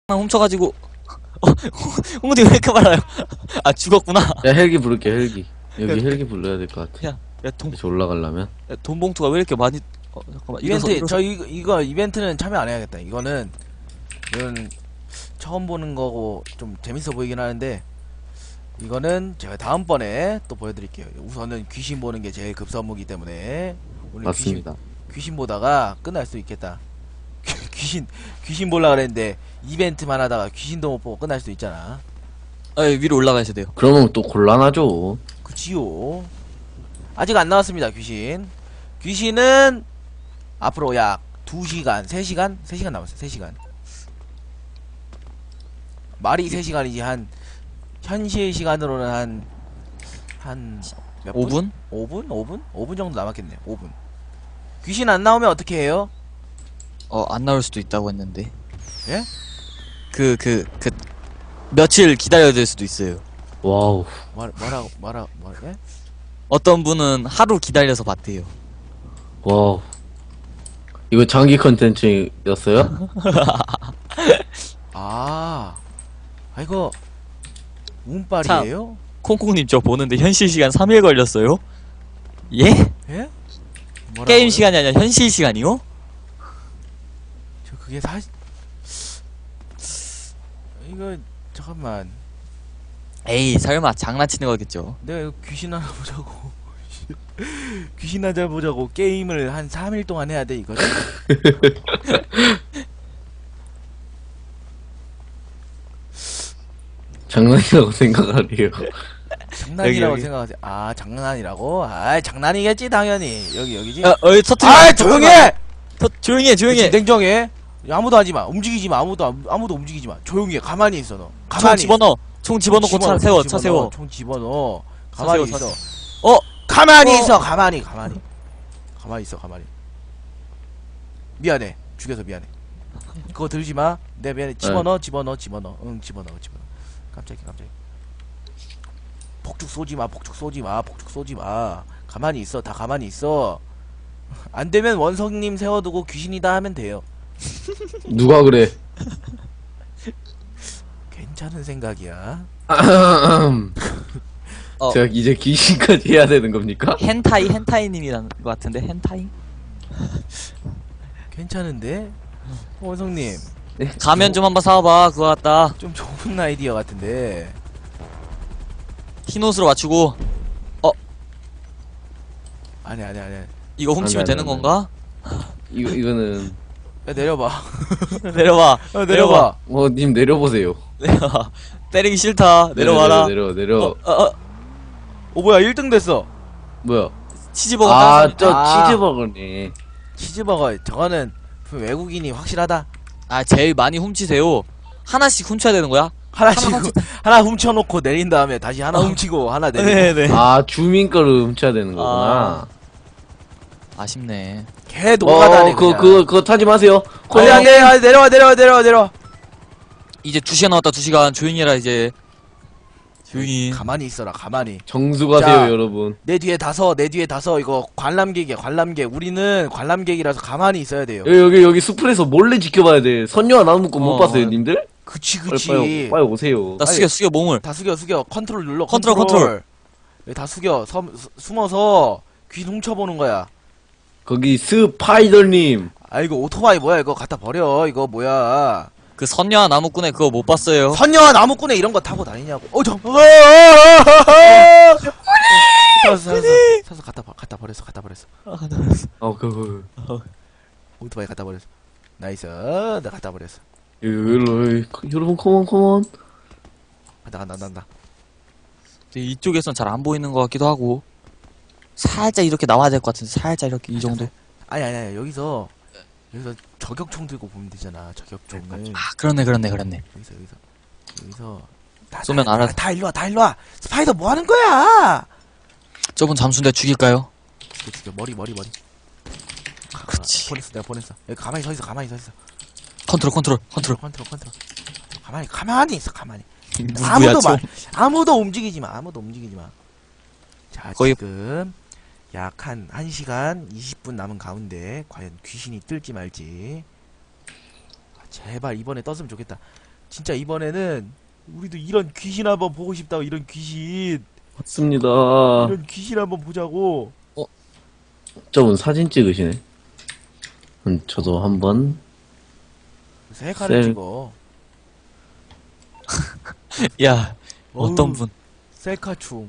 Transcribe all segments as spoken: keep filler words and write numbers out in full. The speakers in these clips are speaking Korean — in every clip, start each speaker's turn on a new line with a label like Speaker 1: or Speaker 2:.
Speaker 1: 훔쳐가지고 어, 홍디 왜 이렇게 말아요? 아 죽었구나.
Speaker 2: 야 헬기 부를게 헬기. 여기
Speaker 1: 야,
Speaker 2: 헬기 불러야 될 것 같아.
Speaker 1: 야, 야 돈,
Speaker 2: 다시 올라가려면.
Speaker 1: 야, 돈 봉투가 왜 이렇게 많이? 어 잠깐만.
Speaker 3: 이벤트
Speaker 1: 일어서, 일어서.
Speaker 3: 저 이거, 이거 이벤트는 참여 안 해야겠다. 이거는 이건 처음 보는 거고 좀 재밌어 보이긴 하는데 이거는 제가 다음번에 또 보여드릴게요. 우선은 귀신 보는 게 제일 급선무기 때문에 오늘
Speaker 2: 맞습니다.
Speaker 3: 귀신, 귀신 보다가 끝날 수 있겠다. 귀신 귀신 보려 그랬는데 이벤트만 하다가 귀신도 못 보고 끝날 수도 있잖아.
Speaker 1: 아 위로 올라가셔야 돼요.
Speaker 2: 그러면 또 곤란하죠.
Speaker 3: 그치요. 아직 안 나왔습니다. 귀신 귀신은 앞으로 약 두 시간 세 시간 세 시간 남았어요. 세 시간 말이 세 시간이지. 한 현실 시간으로는 한 한 몇 분?
Speaker 1: 오 분?
Speaker 3: 오 분? 오 분? 오 분 정도 남았겠네요. 오 분. 귀신 안 나오면 어떻게 해요?
Speaker 1: 어 안 나올 수도 있다고 했는데.
Speaker 3: 예?
Speaker 1: 그 그 그 며칠 기다려야 될 수도 있어요.
Speaker 2: 와우.
Speaker 3: 말 뭐라 뭐라 뭐 예?
Speaker 1: 어떤 분은 하루 기다려서 봤대요.
Speaker 2: 와우. 이거 장기 컨텐츠였어요?
Speaker 3: 아. 아 이거 운빨이에요?
Speaker 1: 콩콩님 저 보는데 현실 시간 삼 일 걸렸어요? 예?
Speaker 3: 예? 뭐라고요?
Speaker 1: 게임 시간이 아니라 현실 시간이요?
Speaker 3: 저 그게 사 이거 잠깐만.
Speaker 1: 에이 설마 장난치는 거겠죠.
Speaker 3: 내가 이거 귀신 하나 보자고 귀신 하나 보자고 게임을 한 삼 일 동안 해야 돼 이거를?
Speaker 2: 장난이라고 생각하래요.
Speaker 3: 장난이라고
Speaker 1: 여기.
Speaker 3: 생각하세요. 아 장난이라고? 아 장난이겠지 당연히. 여기 여기지.
Speaker 1: 야, 어이 터트려.
Speaker 3: 아 조용해.
Speaker 1: 터, 조용히 해, 조용히 해.
Speaker 3: 냉정해. 아무도 하지 마. 움직이지 마. 아무도 안- 아무도 움직이지 마. 조용히 해. 가만히 있어 너.
Speaker 1: 총
Speaker 3: 가만히.
Speaker 1: 집어넣어. 총 집어넣고 차
Speaker 3: 집어넣어,
Speaker 1: 세워,
Speaker 3: 총
Speaker 1: 차
Speaker 3: 집어넣어,
Speaker 1: 세워.
Speaker 3: 총 집어넣어.
Speaker 1: 차
Speaker 3: 가만히
Speaker 1: 세워, 차
Speaker 3: 있어.
Speaker 1: 어?
Speaker 3: 가만히
Speaker 1: 어.
Speaker 3: 있어. 가만히 가만히. 가만히 있어. 가만히. 미안해. 죽여서 미안해. 그거 들지 마. 내 미안해. 집어넣어. 집어넣어. 집어넣어. 응 집어넣어. 집어넣어. 깜짝이야 깜짝이야. 폭죽 쏘지 마. 폭죽 쏘지 마. 폭죽 쏘지 마. 가만히 있어. 다 가만히 있어. 안 되면 원성님 세워두고 귀신이다 하면 돼요.
Speaker 2: 누가 그래?
Speaker 3: 괜찮은 생각이야.
Speaker 1: 어.
Speaker 2: 제가 이제 귀신까지 해야 되는 겁니까?
Speaker 1: 헨타이, 헨타이님이라는 것 같은데, 헨타이?
Speaker 3: 괜찮은데? 원성님
Speaker 1: 가면 좀 한번 사와봐, 그거 같다.
Speaker 3: 좀 좋은 아이디어 같은데.
Speaker 1: 흰 옷으로 맞추고,
Speaker 3: 아니 아니 아니.
Speaker 1: 이거 훔치면
Speaker 2: 안 돼, 안
Speaker 1: 되는
Speaker 2: 돼, 안
Speaker 1: 건가?
Speaker 2: 이거 이거는
Speaker 3: 야, 내려봐.
Speaker 1: 내려봐.
Speaker 3: 야, 내려봐.
Speaker 2: 어 님 내려보세요.
Speaker 1: 내려봐. 때리기 싫다. 내려와라.
Speaker 2: 내려 내려. 내려.
Speaker 1: 어, 어, 어.
Speaker 3: 오 뭐야 일 등 됐어.
Speaker 2: 뭐야?
Speaker 1: 치즈버거 아,
Speaker 2: 아저
Speaker 3: 아.
Speaker 2: 치즈버거네.
Speaker 3: 치즈버거 저거는 외국인이 확실하다.
Speaker 1: 아, 제일 많이 훔치세요. 하나씩 훔쳐야 되는 거야?
Speaker 3: 하나씩
Speaker 1: 하나
Speaker 3: 훔- 하나 훔쳐놓고 내린 다음에 다시 하나 훔치고 하나 내리고.
Speaker 1: 네네.
Speaker 2: 아 주민 거를 훔쳐야 되는 거구나.
Speaker 1: 아쉽네.
Speaker 3: 개 노가다네.
Speaker 2: 어, 그거 그거 그거 타지 마세요.
Speaker 3: 어, 야, 내, 아, 내려와 내려와 내려와 내려와.
Speaker 1: 이제 두 시간 남았다, 두 시간. 조용히 해라, 이제. 조용히.
Speaker 3: 가만히 있어라 가만히.
Speaker 2: 정수 가세요
Speaker 3: 자.
Speaker 2: 여러분.
Speaker 3: 내 뒤에 다서 내 뒤에 다서 이거 관람객이야 관람객. 우리는 관람객이라서 가만히 있어야 돼요.
Speaker 2: 여기 여기 여기 숲에서 몰래 지켜봐야 돼. 선녀와 나무 묶고 못
Speaker 1: 어.
Speaker 2: 봤어요 님들?
Speaker 3: 그치
Speaker 2: 빨리
Speaker 3: 그치.
Speaker 2: 빨리, 빨리 오세요.
Speaker 1: 나 숙여, 숙여, 몸을.
Speaker 3: 다 숙여 숙여. 컨트롤 눌러.
Speaker 1: 컨트롤, 컨트롤.
Speaker 3: 여기 다 숙여. 섬, 수- 숨어서 귀 훔쳐보는 거야.
Speaker 2: 거기 스파이더님.
Speaker 3: 아 이거 오토바이 뭐야 이거 갖다 버려. 이거 뭐야.
Speaker 1: 그 선녀와 나무꾼의 그거 못 봤어요.
Speaker 3: 선녀와 나무꾼에 이런 거 타고 다니냐고. 어 저. 사서 사서 사서 갖다 버- 갖다 버렸어 갖다 버렸어.
Speaker 2: 어 그거.
Speaker 3: 오토바이 갖다 버렸어. 나이스. 나 갖다 버렸어.
Speaker 2: 여러분 여러분 컴온 컴온.
Speaker 3: 간다 간다 간다.
Speaker 1: 이쪽에선 잘 안 보이는 것 같기도 하고. 살짝 이렇게 나와야 될 것 같은데, 살짝 이렇게, 이 정도.
Speaker 3: 아니 아니 아니 여기서 여기서 저격총 들고 보면 되잖아. 저격총을.
Speaker 1: 아, 그렇네, 그렇네, 그렇네.
Speaker 3: 여기서 여기서 여기서 다,
Speaker 1: 쏘면
Speaker 3: 다,
Speaker 1: 알아.
Speaker 3: 다, 다 일로 와 다 일로 와. 스파이더 뭐 하는 거야?
Speaker 1: 저분 잠수인데 죽일까요?
Speaker 3: 죽여 죽여 머리 머리 머리. 가,
Speaker 1: 그치.
Speaker 3: 보냈어 내가 보냈어. 여기 가만히 서 있어 가만히 서 있어.
Speaker 1: 컨트롤, 컨트롤, 컨트롤.
Speaker 3: 컨트롤 컨트롤. 가만히 가만히 있어 가만히.
Speaker 1: 누구야,
Speaker 3: 아무도
Speaker 1: 저?
Speaker 3: 말 아무도 움직이지 마. 아무도 움직이지 마. 자
Speaker 1: 거의-
Speaker 3: 지금 약 한 한 시간 이십 분 남은 가운데 과연 귀신이 뜰지 말지. 아, 제발 이번에 떴으면 좋겠다. 진짜 이번에는 우리도 이런 귀신 한번 보고 싶다고. 이런 귀신
Speaker 2: 맞습니다.
Speaker 3: 이런 귀신 한번 보자고.
Speaker 2: 저분 사진 찍으시네. 음, 저도 한번.
Speaker 3: 셀카를
Speaker 2: 셀-
Speaker 3: 찍어.
Speaker 1: 야, 어떤
Speaker 3: 어우,
Speaker 1: 분.
Speaker 3: 셀카충.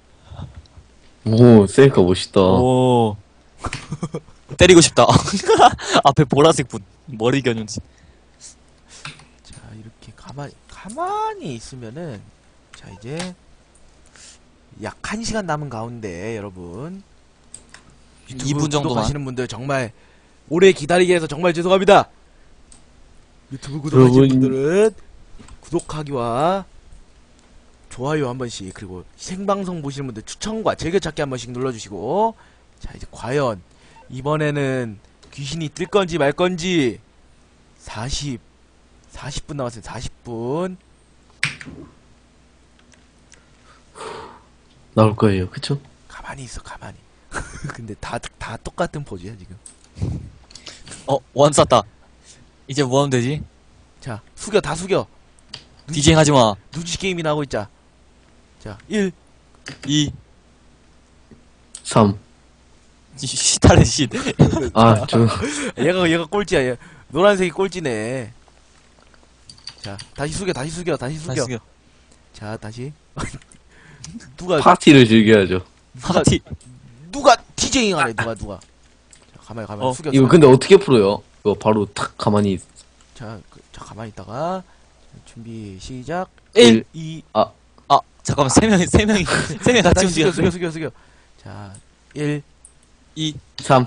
Speaker 2: 오, 셀카 멋있다.
Speaker 1: 오. 때리고 싶다. 앞에 보라색 분. 머리 겨눈지.
Speaker 3: 자, 이렇게 가만히 가만히 있으면은, 자, 이제 약 한 시간 남은 가운데 여러분, 유튜브
Speaker 1: 이 분 정도만.
Speaker 3: 구독하시는 분들 정말 오래 기다리게 해서 정말 죄송합니다. 유튜브 구독하시는
Speaker 2: 여러분.
Speaker 3: 분들은 구독하기와 좋아요 한 번씩, 그리고 생방송 보시는 분들 추천과 즐겨찾기 한 번씩 눌러주시고. 자, 이제 과연 이번에는 귀신이 뜰 건지 말 건지. 사십 사십 분 남았어요. 사십 분.
Speaker 2: 나올 거예요. 그쵸?
Speaker 3: 가만히 있어, 가만히. 근데 다 다 똑같은 포즈야 지금.
Speaker 1: 어, 원 쐈다. 이제 뭐 하면 되지?
Speaker 3: 자, 숙여, 다 숙여.
Speaker 1: 디제잉 하지 마.
Speaker 3: 누지 게임이나 하고 있자. 자, 일.
Speaker 1: 이.
Speaker 2: 삼.
Speaker 1: 시탈의 시.
Speaker 2: 아, 저,
Speaker 3: 얘가 얘가 꼴찌야. 얘. 노란색이 꼴찌네. 자, 다시 숙여, 다시 숙여, 다시 숙여.
Speaker 1: 다시 숙여.
Speaker 3: 자, 다시. 누가
Speaker 2: 파티를 즐겨야죠.
Speaker 3: 누가
Speaker 1: 파티.
Speaker 3: 누가 디제잉 하네. 누가 누가. 자, 가만히 가만히
Speaker 1: 어,
Speaker 3: 숙여.
Speaker 2: 이거
Speaker 3: 숙여.
Speaker 2: 근데 어떻게 풀어요? 이거 바로 탁 가만히.
Speaker 3: 자, 그, 자, 가만히 있다가 준비 시작.
Speaker 2: 일.
Speaker 3: 이.
Speaker 1: 아, 잠깐만. 세 명이, 세 명이, 세 명이
Speaker 3: 자,
Speaker 1: 같이
Speaker 3: 다시 숙여, 숙여,
Speaker 1: 움직였어.
Speaker 3: 숙여, 숙여. 자, 일.
Speaker 1: 이.
Speaker 2: 삼.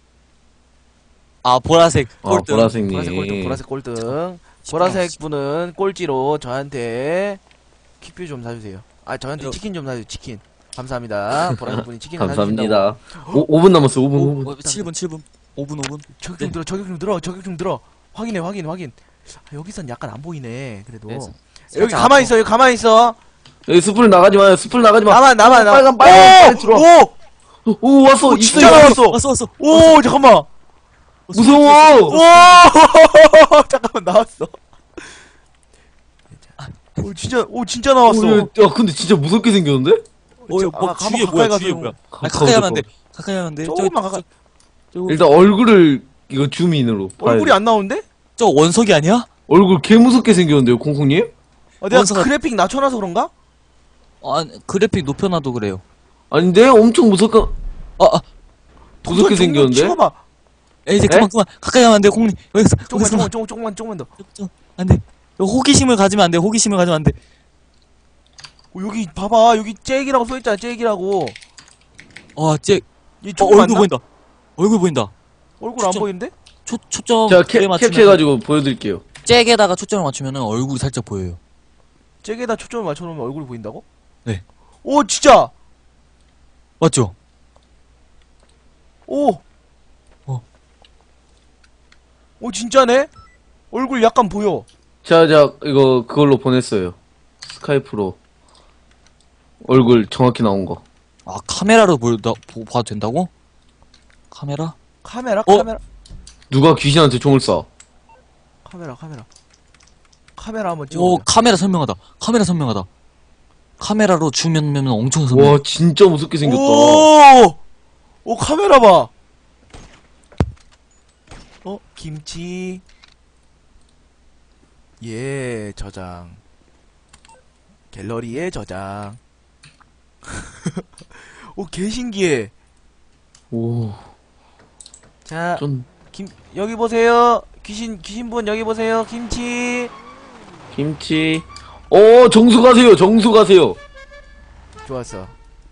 Speaker 1: 아, 보라색.
Speaker 2: 아,
Speaker 1: 꼴등.
Speaker 2: 보라색님.
Speaker 3: 보라색 꼴등, 보라색 꼴등. 보라색 분은 꼴찌로 저한테 킥뷰 좀 사주세요. 아, 저한테
Speaker 1: 요.
Speaker 3: 치킨 좀 사주세요. 치킨. 감사합니다. 보라색 분이 치킨 사주신다고.
Speaker 2: 감사합니다. 오, 오 분 남았어, 오 분, 오 분.
Speaker 1: 오, 칠 분, 칠 분. 오 분, 오 분.
Speaker 3: 저격
Speaker 1: 네.
Speaker 3: 좀 들어, 저격 좀 들어, 저격 좀 들어. 확인해, 확인, 확인. 아, 여기선 약간 안 보이네. 그래도.
Speaker 1: 네,
Speaker 3: 여기 가만히 있어, 여기 가만히 있어.
Speaker 2: 여기 숲을 나가지 마요, 숲을 나가지 마.
Speaker 3: 나만, 나만, 나만.
Speaker 2: 빨간, 빨간, 빨리 들어와.
Speaker 3: 오!
Speaker 2: 오, 오, 왔어,
Speaker 3: 오,
Speaker 2: 있어,
Speaker 3: 진짜
Speaker 2: 있어.
Speaker 3: 나왔어.
Speaker 1: 왔어, 왔어.
Speaker 3: 오, 잠깐만.
Speaker 2: 무서워.
Speaker 3: 오! 잠깐만, 나왔어. 오, 진짜, 오, 진짜 나왔어.
Speaker 2: 오, 야, 야, 근데 진짜 무섭게 생겼는데?
Speaker 1: 어,
Speaker 3: 저-
Speaker 1: 뭐,
Speaker 3: 아, 가만-
Speaker 1: 주위에
Speaker 3: 가까이
Speaker 1: 뭐야,
Speaker 3: 가서
Speaker 1: 주위에
Speaker 3: 좀-
Speaker 1: 뭐야. 아,
Speaker 2: 가까워,
Speaker 1: 가까이 하면 안 돼.
Speaker 2: 가까워.
Speaker 1: 가까이 하면 안 돼.
Speaker 3: 조금만 가까이.
Speaker 1: 저,
Speaker 2: 일단 얼굴을 이거 줌인으로 봐야
Speaker 3: 얼굴이
Speaker 2: 돼.
Speaker 3: 안 나오는데?
Speaker 1: 저 원석이 아니야?
Speaker 2: 얼굴 개 무섭게 생겼는데요, 콩콩님?
Speaker 3: 아, 내가
Speaker 1: 원서가-
Speaker 3: 그래픽 낮춰놔서 그런가?
Speaker 1: 아, 그래픽 높여놔도 그래요.
Speaker 2: 아닌데? 엄청 무섭게,
Speaker 1: 아, 아,
Speaker 2: 무섭게 생겼는데?
Speaker 3: 찍어봐.
Speaker 1: 야, 이제 그만, 그만. 가까이 하면 안 돼, 콩님. 여기서,
Speaker 3: 조금만,
Speaker 1: 여기서.
Speaker 3: 조금만, 조금, 조금만, 조금만 더.
Speaker 1: 좀, 안 돼. 이거 호기심을 가지면 안 돼, 호기심을 가지면 안 돼.
Speaker 3: 어, 여기 봐봐, 여기 잭이라고 써있잖아, 잭이라고.
Speaker 1: 어, 쟤,
Speaker 3: 이
Speaker 1: 어,
Speaker 3: 조금
Speaker 1: 얼굴 보인다. 얼굴 보인다.
Speaker 3: 얼굴 안
Speaker 1: 초점.
Speaker 3: 보이는데?
Speaker 1: 초, 초점.
Speaker 2: 제가 캡,
Speaker 1: 그에 맞추면
Speaker 2: 캡처해가지고 보여드릴게요.
Speaker 1: 잭에다가 초점을 맞추면은 얼굴이 살짝 보여요.
Speaker 3: 잭에다 초점을 맞춰놓으면 얼굴이 보인다고?
Speaker 1: 네.
Speaker 3: 오, 진짜!
Speaker 1: 맞죠?
Speaker 3: 오!
Speaker 1: 어.
Speaker 3: 오, 진짜네? 얼굴 약간 보여.
Speaker 2: 자, 자, 이거 그걸로 보냈어요. 스카이프로. 얼굴 정확히 나온 거.
Speaker 1: 아, 카메라로 보다, 보, 봐도 된다고? 카메라?
Speaker 3: 카메라,
Speaker 1: 어?
Speaker 3: 카메라,
Speaker 2: 누가 귀신한테 총을 쏴?
Speaker 3: 카메라, 카메라. 카메라 한번
Speaker 1: 오,
Speaker 3: 찍어보자.
Speaker 1: 카메라 선명하다. 카메라 선명하다. 카메라로 줌면면 엄청 선명.
Speaker 2: 와, 진짜 무섭게 생겼다.
Speaker 3: 오! 오, 카메라 봐! 어, 김치. 예, 저장. 갤러리에 저장. 오, 개신기해.
Speaker 2: 오,
Speaker 3: 자,
Speaker 2: 좀,
Speaker 3: 김, 여기 보세요. 귀신, 귀신분 여기 보세요. 김치.
Speaker 2: 김치. 어, 정수 가세요, 정수 가세요.
Speaker 3: 좋았어.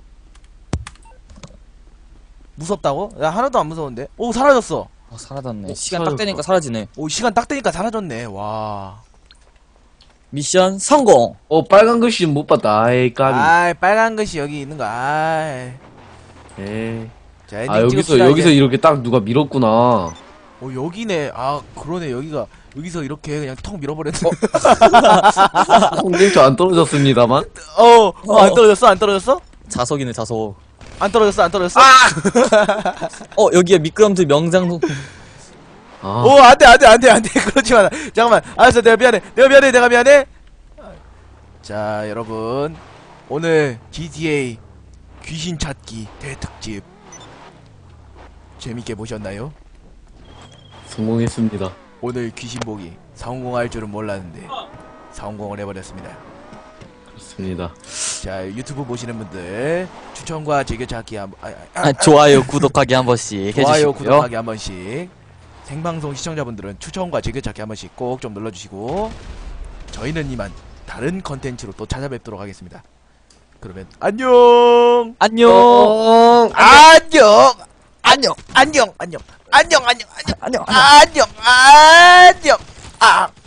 Speaker 3: 무섭다고? 나 하나도 안 무서운데? 오, 사라졌어.
Speaker 1: 어, 사라졌네.
Speaker 2: 어,
Speaker 1: 시간
Speaker 2: 사라졌다.
Speaker 1: 딱 되니까 사라지네.
Speaker 3: 오, 시간 딱 되니까 사라졌네. 와.
Speaker 1: 미션 성공!
Speaker 2: 어, 빨간 글씨 못 봤다. 아이, 까비.
Speaker 3: 아이, 빨간 것이 여기 있는 거. 아이.
Speaker 2: 에이.
Speaker 3: 자, 엔딩
Speaker 2: 아, 여기서,
Speaker 3: 찍읍시다,
Speaker 2: 여기서
Speaker 3: 이제.
Speaker 2: 이렇게 딱 누가 밀었구나.
Speaker 3: 어, 여기네. 아, 그러네. 여기가, 여기서 이렇게 그냥 턱 밀어버렸네.
Speaker 2: 콩님 저안 떨어졌습니다만.
Speaker 3: 어, 어, 안 떨어졌어? 안 떨어졌어?
Speaker 1: 자석이네, 자석.
Speaker 3: 안 떨어졌어? 안 떨어졌어?
Speaker 1: 어, 여기에 미끄럼틀 명장,
Speaker 2: 아,
Speaker 3: 오, 안 돼, 안 돼, 안 돼, 안 돼. 그러지 마. 잠깐만. 알았어, 내가 미안해. 내가 미안해, 내가 미안해. 자, 여러분. 오늘 지티에이 귀신 찾기 대특집. 재밌게 보셨나요?
Speaker 2: 성공했습니다.
Speaker 3: 오늘 귀신 보기 성공할 줄은 몰랐는데 성공을 해버렸습니다.
Speaker 2: 그렇습니다.
Speaker 3: 자, 유튜브 보시는 분들 추천과 즐겨찾기 한 번, 아, 아,
Speaker 1: 아, 좋아요, 구독하기 한 번씩
Speaker 3: 좋아요,
Speaker 1: 해주시고요.
Speaker 3: 구독하기 한 번씩. 생방송 시청자분들은 추천과 즐겨찾기 한 번씩 꼭 좀 눌러주시고 저희는 이만 다른 컨텐츠로 또 찾아뵙도록 하겠습니다. 그러면 안녕.
Speaker 1: 안녕.
Speaker 3: 안녕.
Speaker 1: 안녕.
Speaker 3: 안녕. 안녕. 안녕. 안녕. 안녕.
Speaker 1: 안녕.
Speaker 3: 안녕. 안녕. 아.